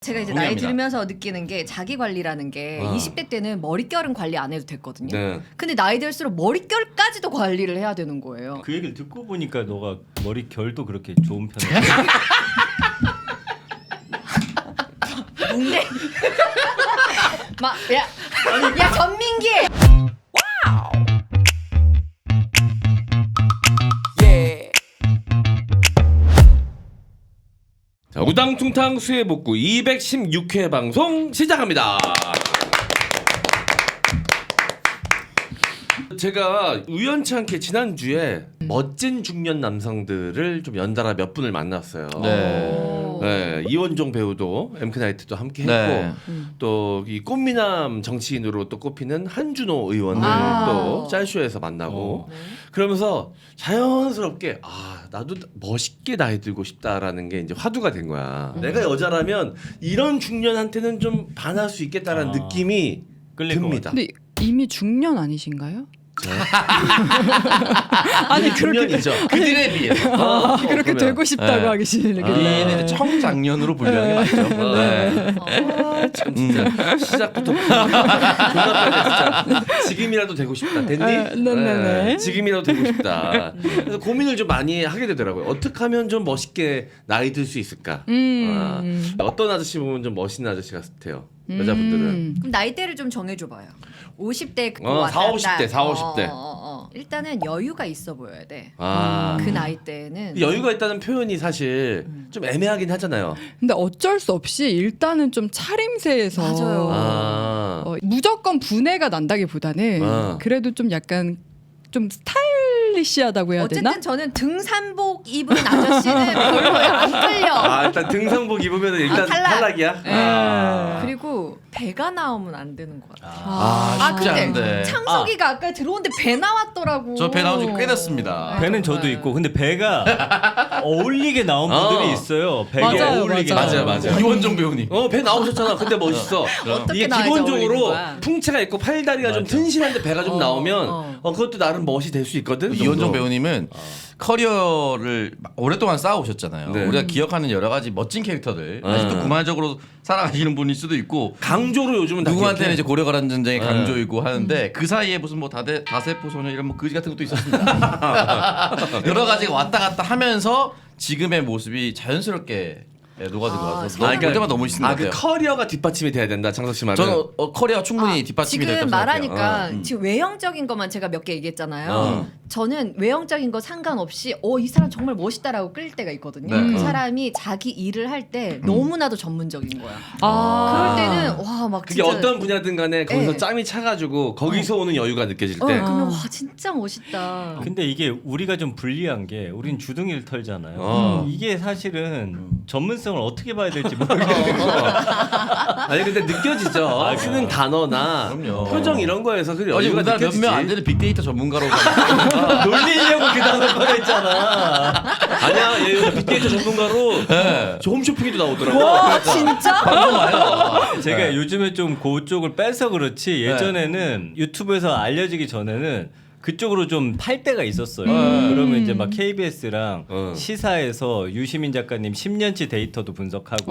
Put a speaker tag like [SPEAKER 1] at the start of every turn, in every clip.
[SPEAKER 1] 제가 이제
[SPEAKER 2] 동의합니다.
[SPEAKER 1] 나이 들면서 느끼는 게 자기 관리라는 게 20대 때는 머릿결은 관리 안 해도 됐거든요.
[SPEAKER 3] 네.
[SPEAKER 1] 근데 나이 들수록 머릿결까지도 관리를 해야 되는 거예요.
[SPEAKER 2] 그 얘기를 듣고 보니까 너가 머리 결도 그렇게 좋은 편이야.
[SPEAKER 1] 뭔데? 야 전민기.
[SPEAKER 3] 자, 우당퉁탕 수해복구 216회 방송 시작합니다. 제가 우연치 않게 지난주에 멋진 중년 남성들을 좀 연달아 몇 분을 만났어요. 네, 이원종 배우도 엠크나이트도 함께 했고
[SPEAKER 4] 네.
[SPEAKER 3] 또 이 꽃미남 정치인으로 또 꼽히는 한준호 의원을 또 짤쇼에서 만나고 그러면서 자연스럽게 나도 멋있게 나이 들고 싶다라는 게 이제 화두가 된 거야. 내가 여자라면 이런 중년한테는 좀 반할 수 있겠다라는 느낌이
[SPEAKER 2] 끌릴 것
[SPEAKER 3] 듭니다.
[SPEAKER 5] 근데 이미 중년 아니신가요? 아니 그렇게
[SPEAKER 3] 중년이죠.
[SPEAKER 4] 그들에 비해서
[SPEAKER 5] 그렇게
[SPEAKER 3] 그러면.
[SPEAKER 5] 되고 싶다고
[SPEAKER 4] 네.
[SPEAKER 5] 하기 싫은데
[SPEAKER 4] 우리는 이제 청장년으로 분류하는 게 맞죠. 네.
[SPEAKER 3] 참 진짜 시작부터 존나 빨리 진짜 지금이라도 되고 싶다. 됐니?
[SPEAKER 5] 네네네.
[SPEAKER 3] 지금이라도 되고 싶다. 그래서 고민을 좀 많이 하게 되더라고요. 어떻게 하면 좀 멋있게 나이 들 수 있을까? 어떤 아저씨 보면 좀 멋있는 아저씨 같아요. 여자분들은.
[SPEAKER 1] 그럼 나이대를 좀 정해줘봐요. 50대 그거
[SPEAKER 3] 40, 50대, 40, 50대.
[SPEAKER 1] 일단은 여유가 있어 보여야 돼.
[SPEAKER 3] 아.
[SPEAKER 1] 그 나이대는
[SPEAKER 3] 여유가 있다는 표현이 사실 좀 애매하긴 하잖아요.
[SPEAKER 5] 근데 어쩔 수 없이 일단은 좀 차림새에서
[SPEAKER 1] 맞아요.
[SPEAKER 5] 무조건 분해가 난다기보다는 그래도 좀 약간 좀 스타일리시하다고 해야
[SPEAKER 1] 어쨌든
[SPEAKER 5] 되나?
[SPEAKER 1] 저는 등산복 입은 아저씨는 별로예요. 안 끌려.
[SPEAKER 3] 일단 등산복 입으면 일단
[SPEAKER 1] 탈락.
[SPEAKER 3] 탈락이야.
[SPEAKER 1] 그리고 배가 나오면 안 되는 것 같아요.
[SPEAKER 4] 쉽지
[SPEAKER 1] 근데
[SPEAKER 4] 않은데.
[SPEAKER 1] 창석이가 아까 들어오는데 배 나왔더라고.
[SPEAKER 4] 저 배 나온 지 꽤 됐습니다.
[SPEAKER 2] 배는 저도 있고 근데 배가 어울리게 나온 분들이 있어요. 배에
[SPEAKER 5] 맞아요,
[SPEAKER 2] 어울리게
[SPEAKER 5] 맞아요.
[SPEAKER 2] 나온
[SPEAKER 3] 맞아요.
[SPEAKER 4] 이원종 배우님.
[SPEAKER 3] 배 나오셨잖아. 근데 멋있어.
[SPEAKER 1] 어떻게
[SPEAKER 3] 이게
[SPEAKER 1] 나와야지 어울리는
[SPEAKER 3] 기본적으로
[SPEAKER 1] 거야?
[SPEAKER 3] 풍채가 있고 팔다리가 좀 튼실한데 배가 좀 나오면 그것도 나름 멋이 될 수 있거든.
[SPEAKER 4] 이원종 배우님은 커리어를 오랫동안 쌓아오셨잖아요.
[SPEAKER 3] 네.
[SPEAKER 4] 우리가 기억하는 여러 가지 멋진 캐릭터들 아직도 구만적으로 살아가시는 분일 수도 있고
[SPEAKER 3] 강조로 요즘은 다
[SPEAKER 4] 누구한테는
[SPEAKER 3] 기억해.
[SPEAKER 4] 이제 고려가란 전쟁의 강조이고 하는데 그 사이에 무슨 뭐 다세포 소녀 이런 뭐 거지 같은 것도 있었습니다. 여러 가지가 왔다 갔다 하면서 지금의 모습이 자연스럽게 녹아들고 와서 볼 때마다 너무 멋있는 것
[SPEAKER 3] 그
[SPEAKER 4] 같아요.
[SPEAKER 3] 커리어가 뒷받침이 돼야 된다. 창석 씨 말은.
[SPEAKER 4] 저는 커리어 충분히 뒷받침이
[SPEAKER 1] 지금
[SPEAKER 4] 됐다고 생각해요.
[SPEAKER 1] 말하니까 지금 외형적인 것만 제가 몇 개 얘기했잖아요. 저는 외형적인 거 상관없이 이 사람 정말 멋있다라고 끌릴 때가 있거든요.
[SPEAKER 4] 네.
[SPEAKER 1] 그 사람이 자기 일을 할 때 너무나도 전문적인 거야. 그럴
[SPEAKER 5] 아.
[SPEAKER 1] 때는 막
[SPEAKER 3] 그게
[SPEAKER 1] 진짜
[SPEAKER 3] 어떤 분야든 간에 거기서
[SPEAKER 1] 네.
[SPEAKER 3] 짬이 차가지고 거기서 오는 여유가 느껴질 때.
[SPEAKER 1] 그러면 와 진짜 멋있다.
[SPEAKER 2] 근데 이게 우리가 좀 불리한 게 우린 주둥이를 털잖아요. 이게 사실은 전문성을 어떻게 봐야 될지 모르겠어요.
[SPEAKER 3] 아니 근데 느껴지죠. 쓰는 단어나
[SPEAKER 4] 그럼요.
[SPEAKER 3] 표정 이런 거에서 그
[SPEAKER 4] 어제
[SPEAKER 3] 여유가
[SPEAKER 4] 우리나라
[SPEAKER 3] 느껴지지.
[SPEAKER 4] 몇 명 안 되는 빅데이터 전문가로
[SPEAKER 2] 놀리려고 그 단어 꺼냈잖아.
[SPEAKER 3] 아니야, 얘 빅데이터 전문가로 저 홈쇼핑에도 나오더라고.
[SPEAKER 1] 와 진짜?
[SPEAKER 4] 방송 와요.
[SPEAKER 2] 제가 요즘에 좀 그쪽을 빼서 그렇지 예전에는 유튜브에서 알려지기 전에는 그쪽으로 좀 팔 때가 있었어요. 그러면 이제 막 KBS랑 시사에서 유시민 작가님 10년치 데이터도 분석하고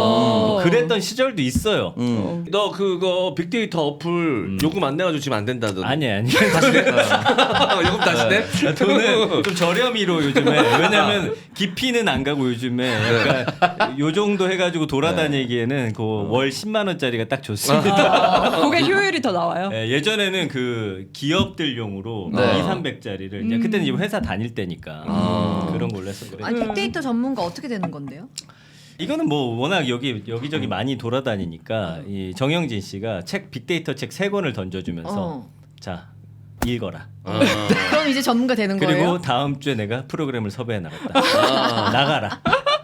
[SPEAKER 2] 뭐 그랬던 시절도 있어요.
[SPEAKER 3] 너 그거 빅데이터 어플 요금 안 내가지고 지금 안 된다던.
[SPEAKER 2] 아니
[SPEAKER 3] 다시 내? 요금 다시 내?
[SPEAKER 2] 저는 좀 저렴이로 요즘에 왜냐면 깊이는 안 가고 요즘에 약간 요 정도 해가지고 돌아다니기에는 그 월 10만 원짜리가 딱 좋습니다.
[SPEAKER 5] 그게 효율이 더 나와요.
[SPEAKER 2] 예전에는 그 기업들용으로 2,300짜리를 이제 그때는 이제 회사 다닐 때니까 그런 걸로 했었 그래요.
[SPEAKER 1] 아니 빅데이터 전문가 어떻게 되는 건데요?
[SPEAKER 2] 이거는 뭐 워낙 여기저기 많이 돌아다니니까 이 정영진 씨가 빅데이터 책 3권을 던져주면서 자 읽어라.
[SPEAKER 1] 그럼 이제 전문가 되는
[SPEAKER 2] 그리고
[SPEAKER 1] 거예요?
[SPEAKER 2] 다음 주에 내가 프로그램을 섭외해 나갔다. 나가라.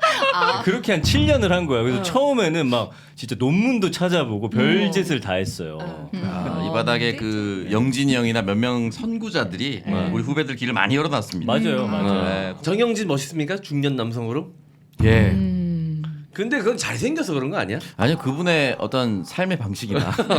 [SPEAKER 2] 그렇게 한 7년을 한 거야. 그래서 처음에는 막 진짜 논문도 찾아보고 별짓을 다 했어요.
[SPEAKER 4] 이 바닥에 그 영진이 형이나 몇 명 선구자들이 우리 후배들 길을 많이 열어놨습니다.
[SPEAKER 2] 맞아요, 맞아요.
[SPEAKER 4] 네.
[SPEAKER 3] 정영진 멋있습니까? 중년 남성으로?
[SPEAKER 4] 예.
[SPEAKER 3] 근데 그건 잘생겨서 그런 거 아니야?
[SPEAKER 4] 아니요 그분의 어떤 삶의 방식이나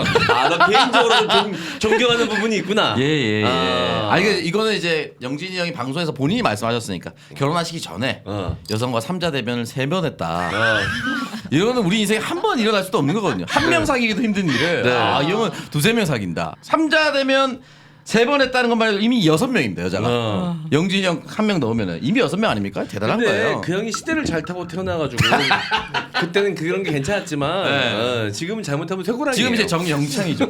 [SPEAKER 3] 너 개인적으로 좀 존경하는 부분이 있구나.
[SPEAKER 4] 예. 아니 이거는 이제 영진이 형이 방송에서 본인이 말씀하셨으니까 결혼하시기 전에 여성과 삼자 대변을 세면했다. 이거는 우리 인생에 한 번 일어날 수도 없는 거거든요. 한 명 사귀기도 힘든 일을
[SPEAKER 3] 네.
[SPEAKER 4] 이 형은 2-3명 사귄다. 3자 되면 3번 했다는 것만 해도 이미 6명입니다 여자가. 영진이 형 1명 넣으면 이미 6명 아닙니까? 대단한
[SPEAKER 3] 근데
[SPEAKER 4] 거예요.
[SPEAKER 3] 그 형이 시대를 잘 타고 태어나가지고 그때는 그런 게 괜찮았지만
[SPEAKER 4] 네.
[SPEAKER 3] 지금은 잘못하면 쇠고랑이에요.
[SPEAKER 4] 지금 이제 정영창이죠.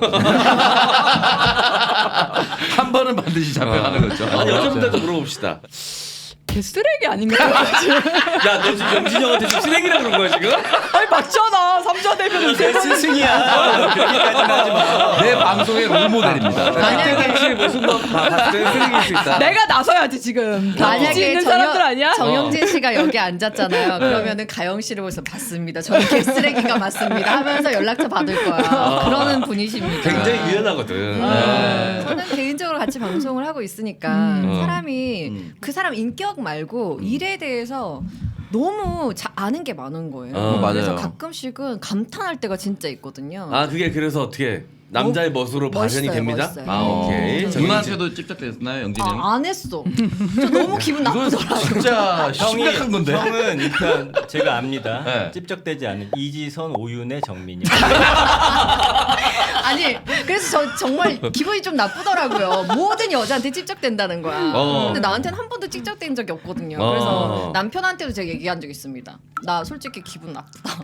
[SPEAKER 4] 한 번은 반드시 잡혀가는 거죠.
[SPEAKER 3] 아니 여자분들도 물어봅시다.
[SPEAKER 5] 걔 쓰레기 아닌가?
[SPEAKER 3] 야 너 지금 영진이 형한테 지금 쓰레기라 그런 거야 지금?
[SPEAKER 5] 아니 맞잖아. 3자 되면
[SPEAKER 2] 내 스승이야. 그렇게까지는 하지 마.
[SPEAKER 4] 내 방송의 롤모델입니다.
[SPEAKER 3] 그때 당시 모습만 봤을 때 쓰레기일 수 있다.
[SPEAKER 5] 내가 나서야지 지금. 다 빚이
[SPEAKER 1] 만약에
[SPEAKER 5] 있는 사람들 아니야?
[SPEAKER 1] 정영진 씨가 여기 앉았잖아요. 그러면은 가영 씨를 보면서 맞습니다. 저는 개쓰레기가 맞습니다. 하면서 연락처 받을 거야. 그러는 분이십니다.
[SPEAKER 3] 굉장히 유연하거든.
[SPEAKER 1] 저는 개인적으로 같이 방송을 하고 있으니까 사람이 그 사람 인격 말고 일에 대해서 너무 아는 게 많은 거예요. 그래서
[SPEAKER 4] 맞아요.
[SPEAKER 1] 가끔씩은 감탄할 때가 진짜 있거든요.
[SPEAKER 3] 아 그게 그래서 어떻게 남자의 멋으로 발현이
[SPEAKER 1] 멋있어요,
[SPEAKER 3] 됩니다?
[SPEAKER 1] 멋있어요.
[SPEAKER 3] 아 오케이.
[SPEAKER 4] 누나한테도 찝쩍댔나요 영진이 형?
[SPEAKER 1] 안 했어. 저 너무 기분
[SPEAKER 4] 이건
[SPEAKER 1] 나쁘더라고.
[SPEAKER 4] 진짜 심각한 건데.
[SPEAKER 2] 형은 일단 제가 압니다.
[SPEAKER 4] 네.
[SPEAKER 2] 찝쩍대지 않은 이지선, 오윤의 정민이.
[SPEAKER 1] 아니 그래서 저 정말 기분이 좀 나쁘더라고요. 모든 여자한테 찝쩍댄다는 거야. 근데 나한테는 한 번도 찝쩍댄 적이 없거든요. 그래서 남편한테도 제가 얘기한 적 있습니다. 나 솔직히 기분 나쁘다.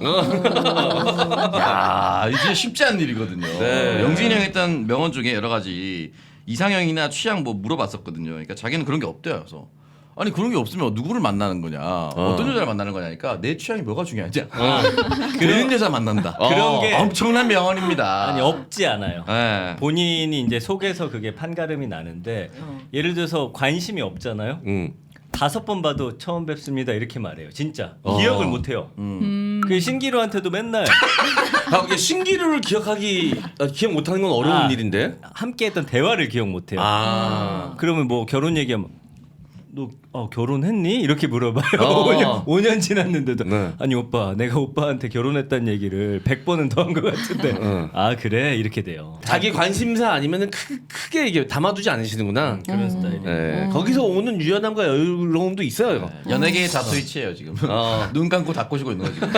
[SPEAKER 4] 야, 이게 진짜 쉽지 않은 일이거든요.
[SPEAKER 3] 네.
[SPEAKER 4] 영진이 형이 했던 명언 중에 여러 가지 이상형이나 취향 뭐 물어봤었거든요. 그러니까 자기는 그런 게 없대요. 그래서 아니 그런 게 없으면 누구를 만나는 거냐, 어떤 여자를 만나는 거냐니까 내 취향이 뭐가 중요하지? 그런 여자 만난다.
[SPEAKER 2] 그런 게
[SPEAKER 4] 엄청난 명언입니다.
[SPEAKER 2] 아니 없지 않아요.
[SPEAKER 4] 네.
[SPEAKER 2] 본인이 이제 속에서 그게 판가름이 나는데 예를 들어서 관심이 없잖아요. 5번 봐도 처음 뵙습니다 이렇게 말해요. 진짜 기억을 못해요. 그 신기루한테도 맨날
[SPEAKER 3] 아, 이게 신기루를 기억 못하는 건 어려운 일인데.
[SPEAKER 2] 함께했던 대화를 기억 못해요. 그러면 뭐 결혼 얘기하면 너 결혼했니? 이렇게 물어봐요. 5년 지났는데도
[SPEAKER 3] 네.
[SPEAKER 2] 아니 오빠 내가 오빠한테 결혼했다는 얘기를 100번은 더 한 것 같은데 아 그래? 이렇게 돼요.
[SPEAKER 3] 자기 관심사 아니면은 크게 이게 담아두지 않으시는구나.
[SPEAKER 2] 그런 스타일이에요.
[SPEAKER 3] 네. 거기서 오는 유연함과 여유로움도 있어요.
[SPEAKER 4] 연예계의 자스위치예요 지금. 눈 감고 닫고 쉬고 있는 거 지금.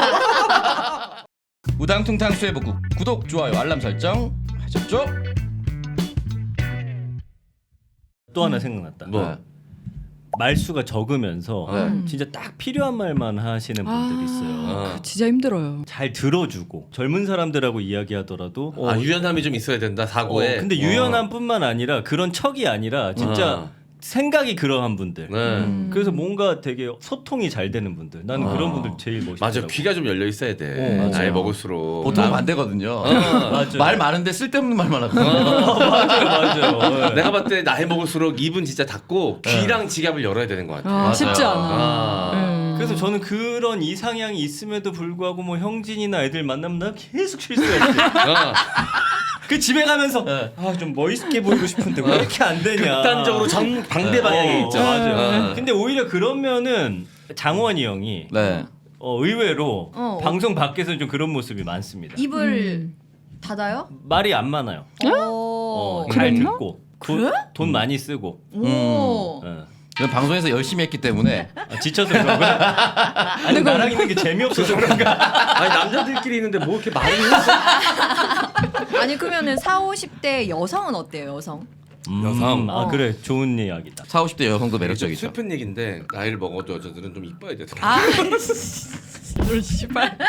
[SPEAKER 4] 우당퉁탕 수해복국 구독 좋아요 알람 설정 하셨죠?
[SPEAKER 2] 또 하나 생각났다.
[SPEAKER 3] 뭐?
[SPEAKER 2] 말수가 적으면서 진짜 딱 필요한 말만 하시는 분들이 있어요.
[SPEAKER 5] 진짜 힘들어요.
[SPEAKER 2] 잘 들어주고 젊은 사람들하고 이야기하더라도
[SPEAKER 3] 유연함이 좀 있어야 된다 사고에.
[SPEAKER 2] 근데 유연함뿐만 아니라 그런 척이 아니라 진짜 생각이 그러한 분들. 그래서 뭔가 되게 소통이 잘 되는 분들. 나는 그런 분들 제일 멋있더라고.
[SPEAKER 3] 맞아, 귀가 좀 열려 있어야 돼. 나이 먹을수록.
[SPEAKER 4] 보통 반대거든요.
[SPEAKER 2] 맞아요.
[SPEAKER 4] 말 많은데 쓸데없는 말만 하거든요.
[SPEAKER 2] 맞아요.
[SPEAKER 3] 내가 봤을 때 나이 먹을수록 입은 진짜 닫고 귀랑 지갑을 열어야 되는 것 같아.
[SPEAKER 5] 쉽지 않아.
[SPEAKER 2] 그래서 저는 그런 이상향이 있음에도 불구하고 뭐 형진이나 애들 만나면 나 계속 실수했지. 그 집에 가면서 좀 멋있게 보이고 싶은데 왜 이렇게 안 되냐.
[SPEAKER 3] 극단적으로 방대 방향이 있죠.
[SPEAKER 2] 맞아요. 근데 오히려 그러면은 장원이 형이
[SPEAKER 4] 네.
[SPEAKER 2] 의외로 방송 밖에서 좀 그런 모습이 많습니다.
[SPEAKER 1] 입을 닫아요?
[SPEAKER 2] 말이 안 많아요. 잘 듣고 돈 많이 쓰고.
[SPEAKER 1] 오.
[SPEAKER 4] 저는 방송에서 열심히 했기 때문에
[SPEAKER 2] 지쳐서 그런 거야? 아니 나랑 있는 게 재미없어서 그런가?
[SPEAKER 3] 아니 남자들끼리 있는데 뭐 이렇게 말을 했어?
[SPEAKER 1] 아니 그러면은 40, 50대 여성은 어때요? 여성?
[SPEAKER 3] 여성.
[SPEAKER 2] 아 그래 좋은 이야기다.
[SPEAKER 4] 40, 50대 여성도
[SPEAKER 3] 좀
[SPEAKER 4] 매력적이죠.
[SPEAKER 3] 슬픈 얘기인데 나이를 먹어도 여자들은 좀 이뻐야 되더라.
[SPEAKER 1] 아,
[SPEAKER 5] 씨발.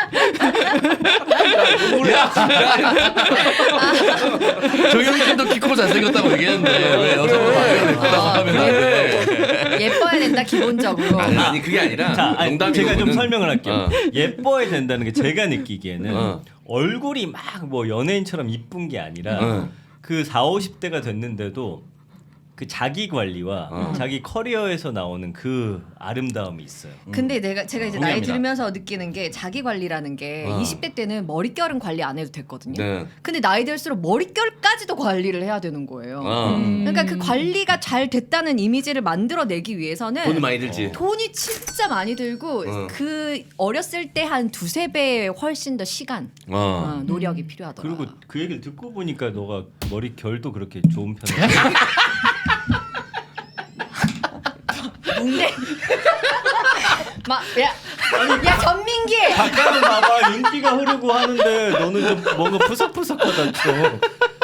[SPEAKER 4] 정영이 좀더 키 크고 잘생겼다고 얘기했는데 왜 여성으로 예쁘다고 하면 안 돼?
[SPEAKER 1] 예뻐야 된다 기본적으로.
[SPEAKER 3] 아니 그게 아니라
[SPEAKER 2] 자, 아니,
[SPEAKER 3] 농담이고
[SPEAKER 2] 제가 좀
[SPEAKER 3] 그거는-
[SPEAKER 2] 설명을 할게요. 예뻐야 된다는 게 제가 느끼기에는
[SPEAKER 3] 어.
[SPEAKER 2] 얼굴이 막 뭐 연예인처럼 이쁜 게 아니라 그 40, 50대가 됐는데도 그 자기 관리와 자기 커리어에서 나오는 그 아름다움이 있어요.
[SPEAKER 1] 근데 제가 이제 나이
[SPEAKER 4] 동의합니다.
[SPEAKER 1] 들면서 느끼는 게 자기 관리라는 게 20대 때는 머릿결은 관리 안 해도 됐거든요.
[SPEAKER 3] 네.
[SPEAKER 1] 근데 나이 들수록 머릿결까지도 관리를 해야 되는 거예요.
[SPEAKER 3] 어.
[SPEAKER 1] 그러니까 그 관리가 잘 됐다는 이미지를 만들어내기 위해서는
[SPEAKER 3] 돈이 많이 들지.
[SPEAKER 1] 돈이 진짜 많이 들고 그 어렸을 때 한 2-3배 훨씬 더 시간, 노력이 필요하더라.
[SPEAKER 2] 그리고 그 얘기를 듣고 보니까 너가 머리 결도 그렇게 좋은 편이야.
[SPEAKER 1] 뭔데? 막 야. 야 전민기.
[SPEAKER 2] 아까는 봐봐 윤기가 흐르고 하는데 너는 좀 뭔가 푸석푸석하다 좀.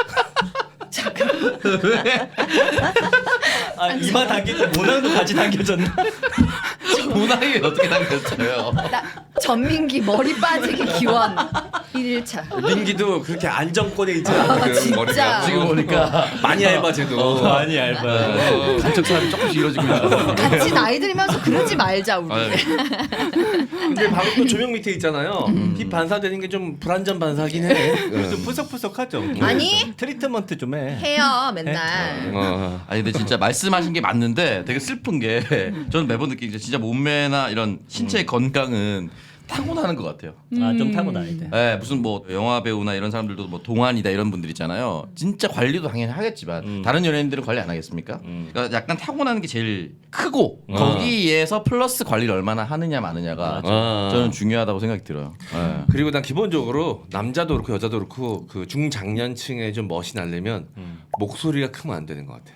[SPEAKER 2] 아 이마 당기고 모낭도 같이 당겨졌나?
[SPEAKER 4] 모낭이 어떻게 당겼어요?
[SPEAKER 1] 나 전민기 머리 빠지기 기원 1일차.
[SPEAKER 3] 민기도 그렇게 안정권에 있지 않거든
[SPEAKER 1] 진짜.
[SPEAKER 3] 머리가.
[SPEAKER 4] 지금 보니까
[SPEAKER 3] 많이 얇아 쟤도.
[SPEAKER 2] 많이 얇아.
[SPEAKER 4] 간척사람이 조금씩 이루어지고 있어.
[SPEAKER 1] 같이 나이 들면서 그러지 말자 우리.
[SPEAKER 3] 근데 방금 또 조명 밑에 있잖아요. 힙 반사되는 게 좀 불안전 반사긴 해.
[SPEAKER 2] 좀 푸석푸석하죠.
[SPEAKER 1] 아니.
[SPEAKER 2] 트리트먼트 좀 해.
[SPEAKER 1] 해요 맨날.
[SPEAKER 4] 아니 근데 진짜 말씀하신 게 맞는데 되게 슬픈 게 저는 매번 느끼는 게 진짜 몸매나 이런 신체의 건강은 타고나는 것 같아요.
[SPEAKER 2] 아좀 타고나야 돼.
[SPEAKER 4] 네, 무슨 뭐 영화 배우나 이런 사람들도 뭐 동안이다 이런 분들 있잖아요. 진짜 관리도 당연히 하겠지만 다른 연예인들은 관리 안 하겠습니까? 그러니까 약간 타고나는 게 제일 크고 거기에서 플러스 관리를 얼마나 하느냐 마느냐가 저는 중요하다고 생각이 들어요. 네.
[SPEAKER 3] 그리고 난 기본적으로 남자도 그렇고 여자도 그렇고 그 중장년층에 좀 멋이 나려면 목소리가 크면 안 되는 것 같아.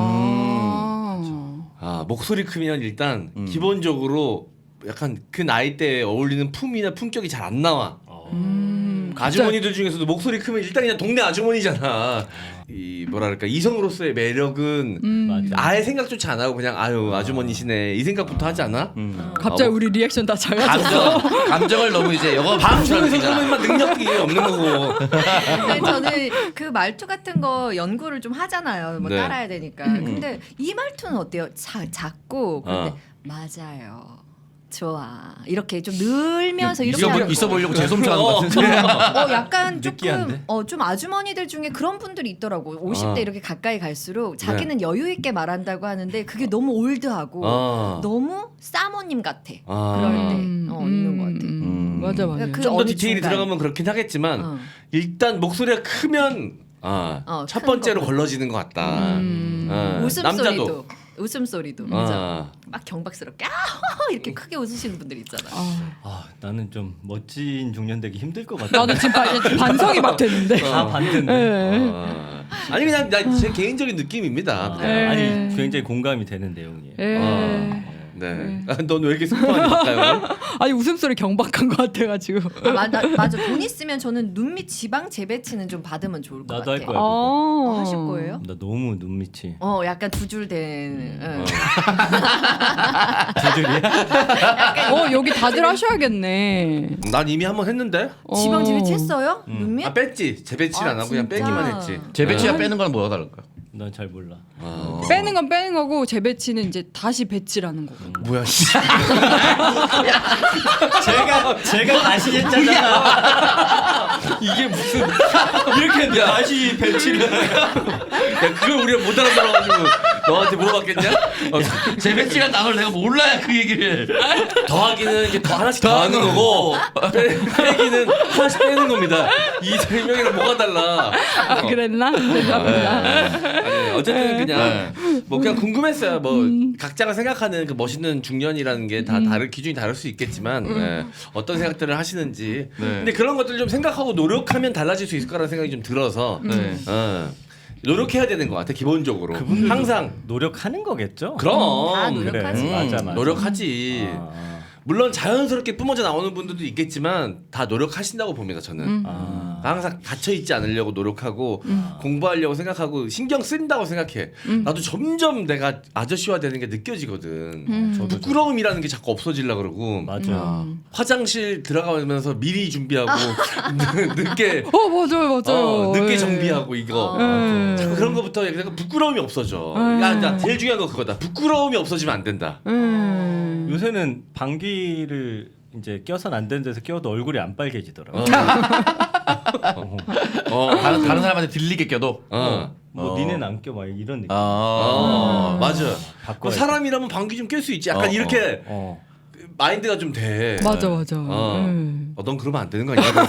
[SPEAKER 3] 목소리 크면 일단 기본적으로 약간 그 나이대에 어울리는 품이나 품격이 잘 안 나와. 아주머니들 중에서도 목소리 크면 일단 그냥 동네 아주머니잖아. 이 뭐랄까 이성으로서의 매력은 아예 생각조차 안 하고 그냥 아유 아주머니시네 이 생각부터 하지 않아?
[SPEAKER 5] 갑자기 우리 리액션 다 작아졌어.
[SPEAKER 4] 감정을 너무 이제 영어
[SPEAKER 3] 방송에서 그러면 능력이 없는 거고.
[SPEAKER 1] 근데 저는 그 말투 같은 거 연구를 좀 하잖아요. 뭐
[SPEAKER 3] 네.
[SPEAKER 1] 따라야 되니까. 근데 이 말투는 어때요? 작고 그런데 맞아요. 좋아. 이렇게 좀 늘면서 이렇게 하는 거.
[SPEAKER 4] 있어 보이려고 재솜처하는 것 같은데.
[SPEAKER 1] 약간 조금
[SPEAKER 2] 느끼한데?
[SPEAKER 1] 좀 아주머니들 중에 그런 분들이 있더라고. 50대 이렇게 가까이 갈수록 자기는 여유 있게 말한다고 하는데 그게 너무 올드하고 너무 사모님 같아. 그럴 때 있는 것 같아.
[SPEAKER 5] 맞아 맞아.
[SPEAKER 1] 그러니까 그
[SPEAKER 3] 좀 더
[SPEAKER 1] 어느
[SPEAKER 3] 디테일이
[SPEAKER 1] 중간.
[SPEAKER 3] 들어가면 그렇긴 하겠지만 일단 목소리가 크면 첫
[SPEAKER 1] 큰
[SPEAKER 3] 번째로
[SPEAKER 1] 거.
[SPEAKER 3] 걸러지는 것 같다.
[SPEAKER 1] 웃음소리도.
[SPEAKER 3] 남자도.
[SPEAKER 1] 웃음소리도 막 경박스럽게 이렇게 크게 웃으시는 분들 있잖아요.
[SPEAKER 2] 아 나는 좀 멋진 중년 되기 힘들 것 같아.
[SPEAKER 5] 나는 지금 반성이 막 되는데.
[SPEAKER 2] 다 반대인데.
[SPEAKER 3] 아니 그냥 제 개인적인 느낌입니다.
[SPEAKER 2] 아니 굉장히 공감이 되는 내용이에요.
[SPEAKER 3] 네. 넌 왜 이렇게 슬퍼하니까요?
[SPEAKER 5] 아니 웃음소리 경박한 것 같아가지고.
[SPEAKER 1] 맞아. 돈 있으면 저는 눈밑 지방 재배치는 좀 받으면 좋을 것
[SPEAKER 2] 나도
[SPEAKER 1] 같아.
[SPEAKER 2] 할 거야. 그거.
[SPEAKER 1] 하실 거예요?
[SPEAKER 2] 나 너무 눈밑이.
[SPEAKER 1] 약간 두 줄 된.
[SPEAKER 2] 두 줄이야?
[SPEAKER 5] 여기 다들 하셔야겠네.
[SPEAKER 3] 난 이미 한번 했는데.
[SPEAKER 1] 지방 재배치 했어요? 눈밑?
[SPEAKER 3] 뺐지. 재배치를 안 하고 그냥
[SPEAKER 1] 진짜?
[SPEAKER 3] 빼기만 했지.
[SPEAKER 4] 재배치와 빼는 건 뭐가 다를까요?
[SPEAKER 2] 난 잘 몰라.
[SPEAKER 5] 빼는 건 빼는 거고 재배치는 이제 다시 배치라는 거고.
[SPEAKER 3] 뭐야?
[SPEAKER 2] 제가 다시 했잖아.
[SPEAKER 3] 이게 무슨
[SPEAKER 2] 이렇게 다시 배치를.
[SPEAKER 3] 야 그걸 우리가 못 알아들어가지고 너한테 물어봤겠냐?
[SPEAKER 4] 재배치란 단어를 내가 몰라야 그 얘기를.
[SPEAKER 3] 더하기는 이게 더 하나씩 더하는 거고 빼기는 하나씩 빼는 겁니다. 이 설명이랑 뭐가 달라?
[SPEAKER 5] 그랬나? 죄송합니다.
[SPEAKER 3] 아니 어쨌든 그냥 뭐 그냥 궁금했어요. 뭐 각자가 생각하는 그 멋있는 중년이라는 게 다 기준이 다를 수 있겠지만 어떤 생각들을 하시는지. 근데 그런 것들 좀 생각하고 노력하면 달라질 수 있을 거라는 생각이 좀 들어서. 노력해야 되는 것 같아 기본적으로. 항상
[SPEAKER 2] 노력하는 거겠죠?
[SPEAKER 3] 그럼
[SPEAKER 1] 다 노력하지.
[SPEAKER 2] 그래. 맞아.
[SPEAKER 3] 노력하지. 물론 자연스럽게 뿜어져 나오는 분들도 있겠지만 다 노력하신다고 봅니다 저는. 항상 갇혀 있지 않으려고 노력하고 공부하려고 생각하고 신경 쓴다고 생각해. 나도 점점 내가 아저씨화 되는 게 느껴지거든.
[SPEAKER 2] 저도
[SPEAKER 3] 부끄러움이라는 게 자꾸 없어지려 그러고.
[SPEAKER 2] 맞아.
[SPEAKER 3] 화장실 들어가면서 미리 준비하고 늦게
[SPEAKER 5] 맞아요.
[SPEAKER 3] 늦게
[SPEAKER 5] 예.
[SPEAKER 3] 정비하고 이거 자꾸 그런 거부터 약간 부끄러움이 없어져. 야, 제일 중요한 거 그거다. 부끄러움이 없어지면 안 된다.
[SPEAKER 2] 요새는 방귀를 이제 껴선 안 되는 데서 껴도 얼굴이 안 빨개지더라고.
[SPEAKER 4] 다른 사람한테 들리게 껴도.
[SPEAKER 2] 뭐 니네는 안 껴 막 이런 느낌.
[SPEAKER 3] 맞아.
[SPEAKER 2] 바꿔야
[SPEAKER 3] 사람이라면 방귀 좀 낄 수 있지. 약간 이렇게 마인드가 좀 돼.
[SPEAKER 5] 맞아.
[SPEAKER 3] 넌 그러면 안 되는 거 아니야?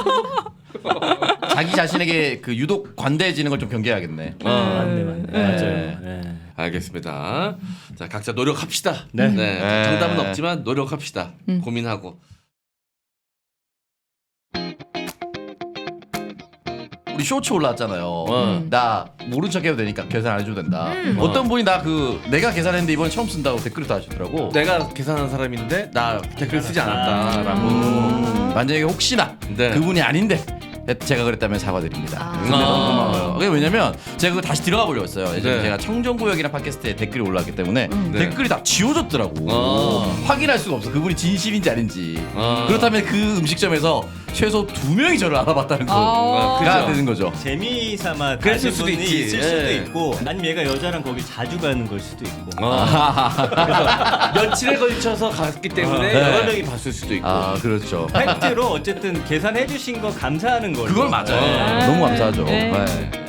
[SPEAKER 4] 자기 자신에게 그 유독 관대해지는 걸 좀 경계해야겠네.
[SPEAKER 2] 맞네. 맞아요. 네.
[SPEAKER 3] 알겠습니다. 자 각자 노력합시다.
[SPEAKER 2] 네.
[SPEAKER 3] 정답은 없지만 노력합시다. 고민하고.
[SPEAKER 4] 우리 쇼츠 올라왔잖아요. 나 모른 척해도 되니까 계산 안 해줘도 된다. 어떤 분이 나 내가 계산했는데 이번에 처음 쓴다고 댓글을 달아주더라고.
[SPEAKER 3] 내가 계산한 사람인데 나 댓글 쓰지 않았다라고.
[SPEAKER 4] 만약에 혹시나
[SPEAKER 3] 네.
[SPEAKER 4] 그분이 아닌데 제가 그랬다면 사과드립니다. 근데 너무 고마워요. 그게 왜냐면 제가 그거 다시 들어가 보려고 했어요. 예전에
[SPEAKER 3] 네.
[SPEAKER 4] 제가 청정구역이라는 팟캐스트에 댓글이 올라왔기 때문에
[SPEAKER 3] 네.
[SPEAKER 4] 댓글이 다 지워졌더라고. 확인할 수가 없어. 그분이 진실인지 아닌지.
[SPEAKER 3] 아.
[SPEAKER 4] 그렇다면 그 음식점에서 최소 2명이 저를 알아봤다는 거가 되는 거죠.
[SPEAKER 2] 재미삼아
[SPEAKER 3] 그랬을
[SPEAKER 2] 가진
[SPEAKER 3] 수도
[SPEAKER 2] 분이
[SPEAKER 3] 있지.
[SPEAKER 2] 있을 수도
[SPEAKER 3] 예.
[SPEAKER 2] 있고 아니면 얘가 여자랑 거기 자주 가는 걸 수도 있고
[SPEAKER 3] 며칠에 걸쳐서 갔기 때문에
[SPEAKER 4] 네.
[SPEAKER 3] 여러 명이 봤을 수도 있고.
[SPEAKER 4] 아 그렇죠.
[SPEAKER 2] 팩트로 어쨌든 계산해 주신 거 감사하는 걸로
[SPEAKER 4] 그걸 맞아요.
[SPEAKER 2] 네.
[SPEAKER 4] 너무 감사하죠.
[SPEAKER 5] 네.
[SPEAKER 4] 네.